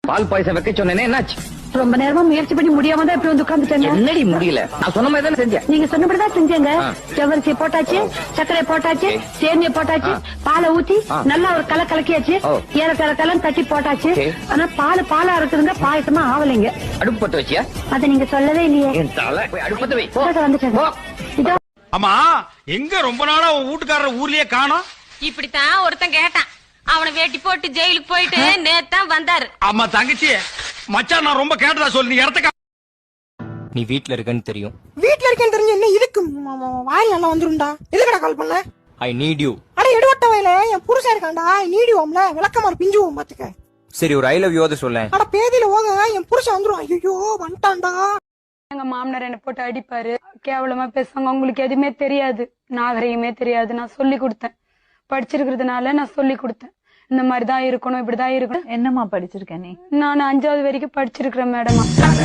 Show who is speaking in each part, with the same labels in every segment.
Speaker 1: பால் பாயசம் வைக்க சொன்னேனே, என்னாச்சு?
Speaker 2: ரொம்ப நேரமா முயற்சி பண்ணி முடியாம தான் இப்படி வந்து உட்காந்துட்டேங்க.
Speaker 1: என்னடி முடியல? நான் சொன்ன மாதிரி தானே செஞ்சேன்.
Speaker 2: நீங்க சொன்னபடிதான் செஞ்சேங்க. ஜவ்வரிசி போட்டாச்சு, சர்க்கரை போட்டாச்சு, சேமியா போட்டாச்சு, பாலை ஊத்தி நல்லா ஒரு கலக்கியாச்சு, ஏலக்காய் தட்டி போட்டாச்சு. ஆனா பாலா இருக்குதுங்க, பாயசமா ஆவலைங்க.
Speaker 1: அடுப்பு பத்த வச்சியா?
Speaker 2: அத நீங்க சொல்லவே இல்லையே.
Speaker 1: அடுப்பத்த வை.
Speaker 2: வந்துட்டேன்.
Speaker 3: ஆமா, எங்க ரொம்ப நாளா உன் வீட்டுக்காரர் ஊர்லயே காணோம்?
Speaker 4: இப்படித்தான் ஒருத்தன் கேட்டான். அவனை வேட்டி போட்டு ஜெயிலுக்கு போயிட்டு நேத்தான் வந்தாரு.
Speaker 3: ஆமா தங்கச்சி, மச்சான் நான் ரொம்ப கேட்டதா சொல்லு. நீ இடத்துக்கு
Speaker 1: நீ வீட்ல இருக்கன்னு தெரியும்.
Speaker 5: வீட்ல இருக்கேன்னு தெரிஞ்சு என்ன இதுக்கு வாயில் நல்லா வந்துரும்டா. எதுக்கடா கால் பண்ண?
Speaker 1: I need you.
Speaker 5: அட எடுவட்ட வயல என் புருஷன் இருக்கான்டா. நீடி ஓம்ல விளக்கமாறு பிஞ்சுவோம் பாத்துக்க.
Speaker 1: சரி, ஒரு ஐ லவ் யூ அத சொல்லேன்.
Speaker 5: அட பேதியில ஓங்க, என் புருஷன் வந்துரும். ஐயோ வந்துட்டான்டா.
Speaker 2: எங்க மாமனார் என்ன போட்டு அடிப்பாரு, கேவலமா பேசுவாங்க. உங்களுக்கு எதுவுமே தெரியாது, நாகரிகமே தெரியாது. நான் சொல்லி கொடுத்தேன், படிச்சிருக்கிறதுனால நான் சொல்லி கொடுத்தேன். இந்த மாதிரிதான் இருக்கணும், இப்படிதான் இருக்கணும்.
Speaker 6: என்னமா படிச்சிருக்க நீ?
Speaker 2: நான் 5வது வரைக்கும் படிச்சிருக்கிறேன் மேடம்.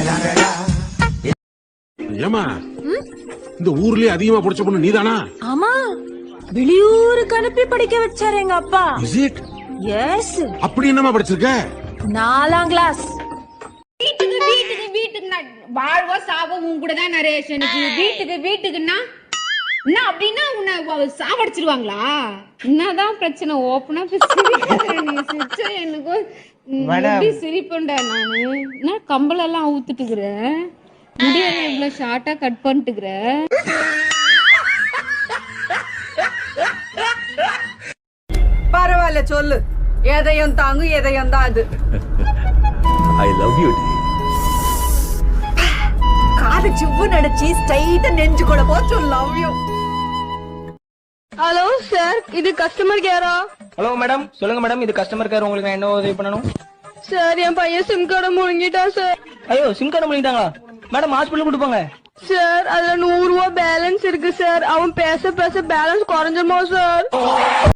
Speaker 7: ஏமா இந்த ஊர்லயே அதிகமா படிச்ச பொண்ணு நீதானா?
Speaker 6: ஆமா, வெளியூருக்கு அனுப்பி படிக்க வச்சாரு எங்க அப்பா.
Speaker 7: Is it?
Speaker 6: எஸ்.
Speaker 7: அப்படி என்னமா படிச்சிருக்க?
Speaker 6: 4ஆம் கிளாஸ்.
Speaker 4: வீட்டுக்கு வாழ்வோ சாவோ உன் கூட தான் நரேஷனுக்கு. வீட்டுக்குன்னா என்ன அப்படின்னா உன்னை சாவடிச்சிருவாங்களா? என்னதான் பிரச்சனை? ஓப்பனா சிரிச்சா எனக்கு எப்படி சிரிப்பேன்டா நானு. என்ன கம்பளெல்லாம் ஊத்துட்டுக்கிறேன், முடியல இவ்வளவு ஷார்ட்டா கட் பண்ணிட்டுக்கிறேன்.
Speaker 6: பரவாயில்ல சொல்லு, எதையும் தாங்கும் எதையும் தான். அது
Speaker 1: ஐ லவ் யூ.
Speaker 6: காது சிவ்வு நடிச்சு ஸ்ட்ரைட்டா நெஞ்சு கூட போச்சு. Love you.
Speaker 2: ஹலோ சார், இது கஸ்டமர் கேரா?
Speaker 1: ஹலோ மேடம், சொல்லுங்க மேடம். இது கஸ்டமர் கேர். உங்களுக்கு நான் என்ன உதவி பண்ணணும்?
Speaker 2: சார், என் பையன் சிம் கார்டை முழுங்கிட்டான் சார்.
Speaker 1: ஐயோ, சிம் கார்டு முழுங்கிட்டாங்களா? மேடம், ஹாஸ்பிட்டல் கூட்டு போங்க.
Speaker 2: சார், அதுல 100 ரூபாய் பேலன்ஸ் இருக்கு சார். அவன் பேச பேலன்ஸ் குறைஞ்சிருமா சார்?